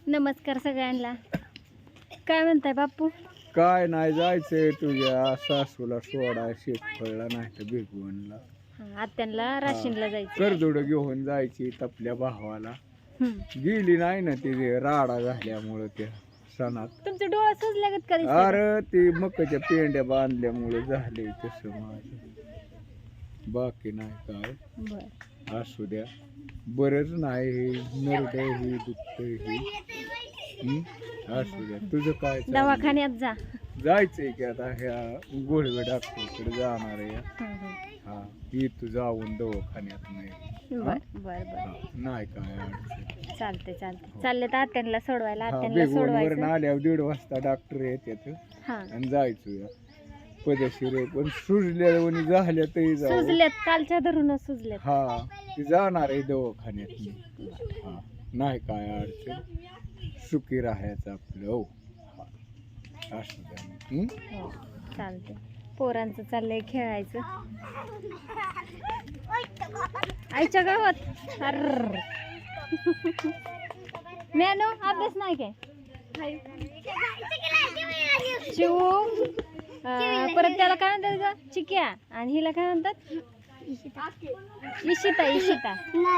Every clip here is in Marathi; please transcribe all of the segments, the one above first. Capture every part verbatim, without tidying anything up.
नमस्कार सगळ्यांना. काय म्हणताय बापू? काय नाही, जायचंय तुझ्या सासूला सोडा शेतफळला नाही तर भिगवणला. आत्यांना राशीनला जायचं. करदुड घेऊन जायची तपल्या भावाला. हम्म. गेली नाही ना ती राडा झाल्यामुळं त्या सणात. तुमचे डोळे सुजल्यागत कधी? अरे ती मकाच्या पेंड्या बांधल्यामुळे झाले तसं माझं. बाकी नाही काय. बर. असू द्या, बरंच नाही नरडं ही दुखतंय ही. हम्म? असू द्या. तुझं काय चाललंय? दवाखान्यात जा. जायचंय की आता ह्या गोळवे डॉक्टरकडे जाणार आहे. हम्म. हा इथं जाऊन दवाखान्यात नाही. बर बर बर. हा, नाही काय अडचण. चालते चालते. चालले तर आत्यांना सोडवायला. हा, आत्यांना बेगवणवर सोडवायचं. आल्यावर दीड वाजता डॉक्टर येतात हा. आणि जायचं या पदशीर आहे. पण सुजल्या आणि झाल्या तरी जाऊ. सुजल्यात, कालच्या धरूनच सुजल्यात. हा ती जाणार आहे दवाखान्यात मी. हा नाही काय अडचण. सुखी राहायचं आपलं. हो हा असं द्या. हम्म? हो चालते. पोरांचं चाललंय खेळायचं आईच्या गावात. अर मॅनो अभ्यास नाही काय? शिव अं, परत त्याला काय म्हणतात ग? चिक्या. आणि हिला काय म्हणतात? इशिता. इशिता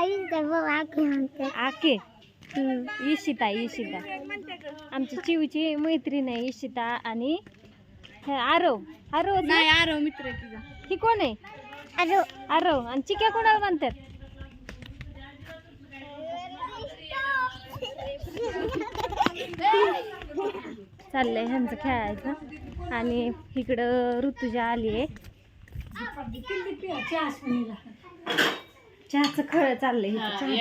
आके. इशिता इशिता आमची चिवची मैत्रीण आहे इशिता. आणि हे आरव. आरव नाही, आरव मित्र. ही कोण आहे? आरव. आरव. आणि चिक्या कोणाला म्हणतात? चाललंय ह्यांचं खेळायचं. आणि इकडं ऋतुजा आली आहे. चहाचं खळ चाललंय.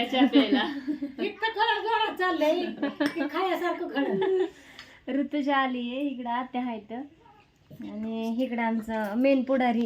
ऋतुजा आली आहे. इकडं आत्या आहेत आणि इकडं आमचं मेन पुढारी.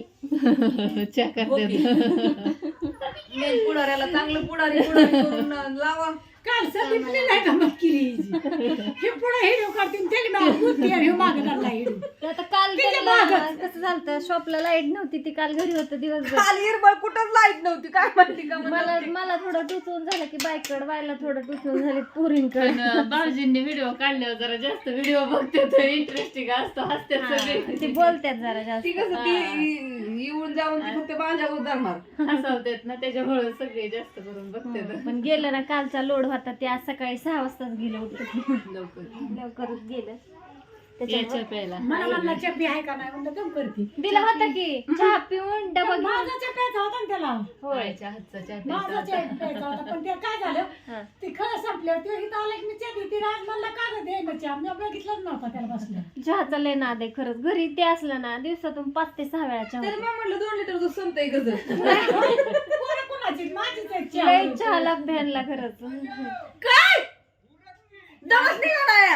मेन पुढाऱ्याला चांगलं पुढारी पुढारी करून लावा. काल सगळी नाही का मग केली हे पुढे हिडो काढतील त्याला नाव बुद्धी आणि हे मागे लागला हिडो. तर आता काल त्याला कसं झालं, शॉपला लाईट नव्हती. ती काल घरी होतं दिवसभर. काल हिरबळ कुठंच लाईट नव्हती. काय माहिती का मला मला थोडं टुचून झालं की बाईककडे व्हायला थोडं टुचून झाले पुरींकडे. भाऊजींनी व्हिडिओ काढल्यावर जरा जास्त व्हिडिओ बघते तर इंटरेस्टिंग असतो. हसतात सगळे. ती बोलतात जरा जास्त. ती कसं ती येऊन जाऊन ती फक्त बांजावर धरणार हसवतात ना, त्याच्यामुळे सगळे जास्त करून बघतात. पण गेलं ना, कालचा लोड होता. ते आज सकाळी सहा वाजताच गेलं होतं. लवकर लवकरच गेलं. याच्या प्यायला मला म्हणला चप्पी आहे का नाही म्हणलं दम करते. दिला होता की चहा पिऊन डबा घेऊन. माझा चहा प्यायचा होता ना त्याला. होयच्या हातचा चहा माझा प्यायचा चहा होता. प्यायचा होता पण ते काय झालं ते खरं संपलं. ते इथं आलं की मी चहा देते. राज म्हणला का गं दे ना चहा. मी बघितलंच नव्हता त्याला बसलं. चहाचा लय नाद आहे खरंच. घरी ते असलं ना दिवसातून पाच ते सहा वेळा चहा तर होतो. मग म्हणलं दोन लिटर दूध संपतंय गजर. पोरं कोणाची? माझीच आहे चहा. लय चहाला भ्यानला खरंच. काय दमच निघाला.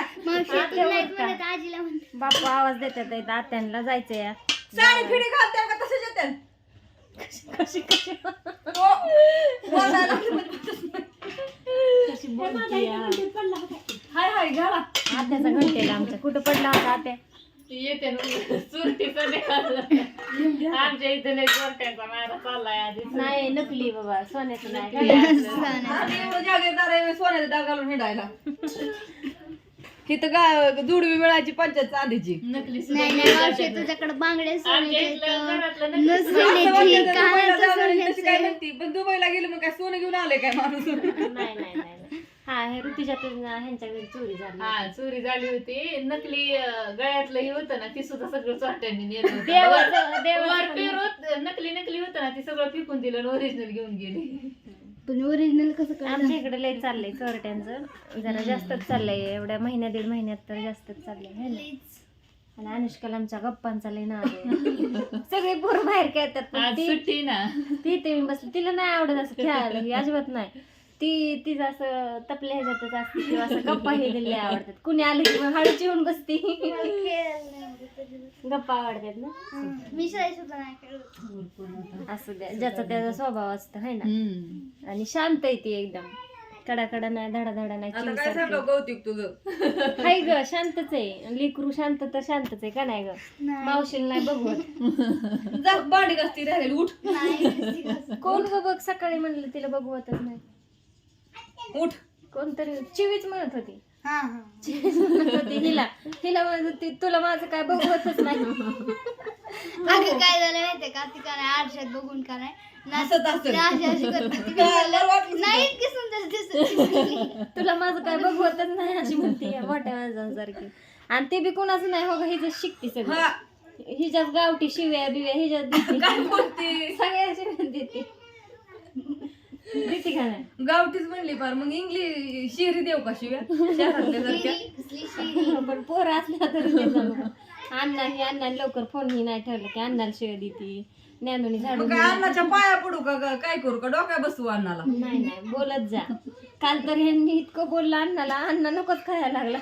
बापू आवाज देतात आहेत. आत्यांना जायचंय या. साडी फिडी घालते का तसंच येते. कशी कशी हो. बोलायला लागली म्हणजे कशी बोलते या. पडला होता. हाय हाय घाला. आत्याचा घंटेला आमच्या कुठं पडला होता आत्या? येते ना चुरटीचा निघाला. आमच्या इथे लय चोरट्यांचा मारा चाललाय आधी. नाही नकली बाबा, सोन्याचं नाही. आणि एवढं जागीरदार आहे सोन्याचा डाग घालून हिंडायला. इथं गा जुडवी मिळायची पंचायत चांदीची. नकली तुझ्याकडे बांगडे आमच्या इथलं घरातलं नकली असं वाटतं दुबईला जाणार तशी काय म्हणती. पण दुबईला गेलं मग काय सोनं घेऊन आलंय काय माणूस. नाही नाही नाही नाही. हा हे ऋतुजा ह्यांच्या घरी चोरी झाली. हा चोरी झाली होती. नकली अं, गळ्यातलं हे होतं ना, ती सुद्धा सगळं चोरट्यांनी नेलं होतं. देवाचं- देवाचं वर पेरूत नकली नकली होतं ना, ती सगळं फेकून दिलं आणि ओरिजिनल घेऊन गेली. पण ओरिजिनल कसं काय? आमच्या इकडे लय चाललंय चोरट्यांचं. जरा जास्तच चाललंय. एवढ्या महिन्या दीड महिन्यात तर जास्तच चाललंय है ना. आणि अनुष्काला आमच्या गप्पांचा लय नाद आहे. सगळे पोरं बाहेर खेळतात पण आज ती सुट्टी ना. ती ते मी बसली. तिला नाही आवडत असं खेळायला. ही अजिबात नाही. ती तिचं असं तपल्या ह्याच्यातच असते किंवा असं गप्पा हे दिले आवडतात. कुणी आले की मग हळूच येऊन बसती. गप्पा आवडतात ना. मी शाळेत सुद्धा नाही खेळत. असू द्या, ज्याचा त्याचा स्वभाव असतो है ना. आणि शांत आहे ती एकदम. कडाकडा नाही, धडा धडा नाही. आता काय सांगा कौतिक तुझं. हाय ग, शांतच आहे. लेकरू शांत तर शांतच आहे का नाही ग. मावशीला नाही बघवत. जा भांडी घासती राहिली उठ. कोण ग बघ, सकाळी म्हणलं तिला बघवतच नाही. उठ. कोणतरी चिवीच म्हणत होती हा हा चिवीच म्हणत होती हिला हिला म्हणत होती तुला माझं काय बघवतच नाही. अगं काय झालं माहितीये का ती का नाही आरशात बघून का नाही हसत हसत. ती अशी अशी करते. ती म्हणलं, नाही इतकी सुंदर दिसत. तुला माझं काय बघवतच नाही अशी म्हणते या मोठ्या माणसांसारखी. आणि ते बी कोणाचं नाही हो हिच शिकते सगळं हा. हिच्यात गावठी शिव्या बिव्या हिच्यात देते. काय बोलते सगळ्या शिव्या देते देते का नाही गावठीच म्हणली पार मग इंग्लिश शेरी देऊ का शिव्या शहरातल्या सारख्या कसली शिरी. पण पोरं असल्या तरी ते जमलं. अण्णा ही अण्णा लवकर फोन ही नाही ठेवलं की अण्णाला शिव्या देते ज्ञानोनी झाडून मग काय अन्नाच्या पाया पडू का ग- काय करू का डोक्या बसवू अन्नाला नाही नाही बोलत जा. काल तर ह्यांनी इतकं बोललं अण्णाला अण्णा नकोच खायला लागला.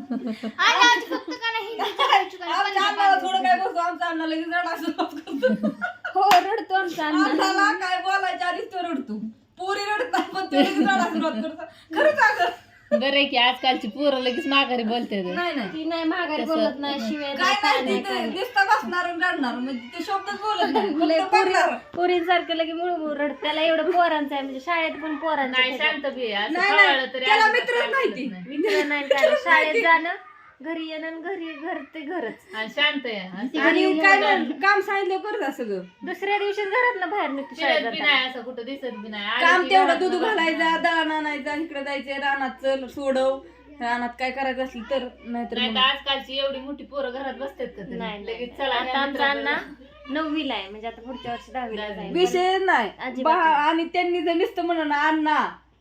आणि आज फक्त का नाही हिंदीच्या खायची का नाही, आमच्या अन्नाला थोडं काय बसू आमचा अन्ना लगेच रडा सुरुवात करतो. हो रडतो आमचा अण्णा. अन्नाला काय बोलायच्या आधीच तो रडतो पुरी रडतात पण तो लगेच रडा सुरुवात करतो खरंच अगं बरं आहे की आजकालची पोरं लगेच माघारी बोलते नाही नाही ती नाही माघारी बोलत नाही शिवाय काय नाही तिथे दिसता बसणार आणि रडणार म्हणजे ते शब्दच बोलत नाही फक्त बघणार. पोरींसारखं लगे मुळमुळ रडत. त्याला एवढं पोरांचं आहे म्हणजे शाळेत पण पोरांचं नाही त्याच्यात. शांत बी आहे. असं नाही, नाही. खवळलं तरी त्याला अजिबात मित्रच काय नाही बोलत ती. नाही. मित्र नाही काय शाळेत जाणं घरी येणं आणि घरी घर ते घरच. आणि शांत आहे असं आणि काय नाही, काम सांगितलं करत सगळं दुसऱ्या दिवशी घरात ना बाहेर निघतो शाळेत फिरत बी जाताना. नाही असं कुठं दिसत बी नाही आली काम की तेवढं घरात दूध बसणार. घालायचा दळण आणायचा इकडे जायचे रानात चल सोडव रानात काय करायचं असेल तर नाहीतर नाही मग- तर आजकालची एवढी मोठी पोरं घरात बसतात का तरी? नाही लगेच नाही. चला आता या आमचा मित्राकडे. अण्णा नववीला आहे म्हणजे आता पुढच्या वर्षी दहावीला जाईल. विषय नाही अजिबात बा- आणि त्यांनी जर नुसतं म्हणलं ना अण्णा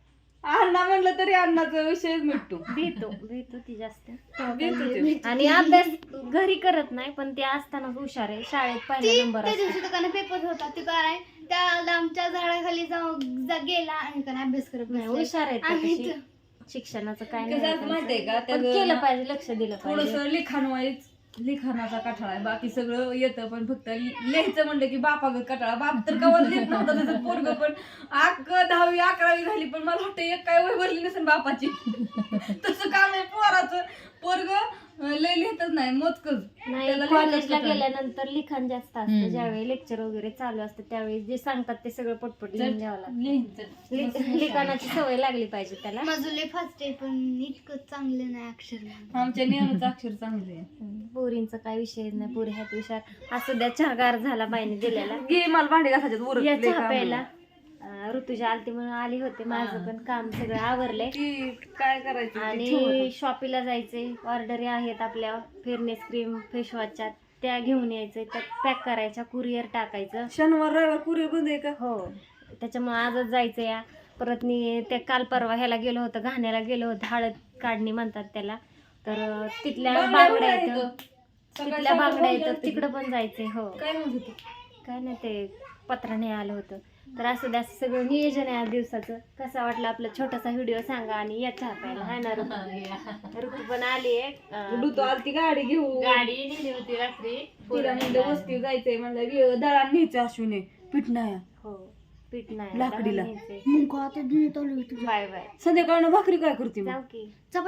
अण्णा म्हणलं तरी अण्णाचा विषयच मिटतो भेटतो भेटतो ती जास्त भेटतो ते. आणि अभ्यास घरी करत नाही पण ते असतानाच हुशार आहे शाळेत पहिला ती नंबर त्या असतो. दिवशी तर का नाही पेपर होता ती का नाही त्या आमच्या झाडाखाली जाऊन जा गेला आणि का नाही अभ्यास करत नाही बसलाय. हुशार आहेत ते आणि तशी. तो- शिक्षणाचं काय कसं नाही असतं माहितीये का त्यांचं. पण त्याचं केलं ना पाहिजे लक्ष दिलं पाहिजे. थोडस लिखाण वाईज लिखाणाचा कठाळा आहे बाकी सगळं येतं पण फक्त लिहायचं म्हणलं की बापागत कटाळा बाप तर कवाच लिहित नव्हता त्याचं पोरग पण अक दहावी अकरावी झाली पण मला वाटतं एक काय वय भरली नसेल बापाची तसं काम आहे पोराचं पोरग लय लिहितच नाही मोजकच नाही त्याला कॉलेजला लिहायचं कटाळा. गेल्यानंतर लिखाण जास्त असतं ज्यावेळी लेक्चर वगैरे चालू असतं त्यावेळी जे सांगतात ते सगळं पटपट लिहून द्यावं लागतं. लिहायचं. लि- लिखाणाची सवय लागली पाहिजे त्याला. माझं लय फास्ट आहे पण इतकं चांगलं नाही अक्षर. आमच्या नियमाचं अक्षर चांगले आहे. हम्म, पोरींचा काय विषय नाही पोरी ह्यात विचार असू द्या चहा गार झाला बाईने दिलेला. घे मला भांडे घासायच्यात उरत या लय चहा काम प्यायला आहे. अं, ऋतुजा आलती म्हणून आली होते माझं पण काम सगळं आवरलंय ती काय करायचं ते आणि ठेवत. शॉपीला जायचे ऑर्डरी आहेत आपल्या फेअरनेस क्रीम फेसवॉशच्या त्या घेऊन यायचे त्या पॅक करायच्या कुरिअर टाकायचं. शनिवार रविवार कुरिअर बंद आहे का हो त्याच्यामुळे आजच जायचं या परत मी त्या काल परवा ह्याला गेलो होतं घाण्याला गेलो होतं हळद काढणी म्हणतात त्याला तर अं, तिथल्या बांगड्या बांगड्या पण येतं आहेत. तिथल्या सकाळी बांगड्या सकाळी येतात जाते. तिकडं पण जायचंय. हो काय म्हणत होती काय नाही ते पत्राने आलं होतं तर असं असं सगळं नियोजन आहे आज दिवसाचं. कसं वाटलं आपला छोटासा व्हिडिओ सांगा आणि या चहा प्यायला हाय ना ऋतू ऋतू पण आली आहे. ऋतू आलती गाडी घेऊ गाडी नेली होती रात्री तिला म्हणलं वस्ती जायचंय म्हणलं दळा न्यायचं अश्विने पीठ नाही हो पीठ नाही लाकडीला. मग आता दूध आलो तुझ्या बाय बाय संध्याकाळनं भाकरी काय करते मग जाऊ की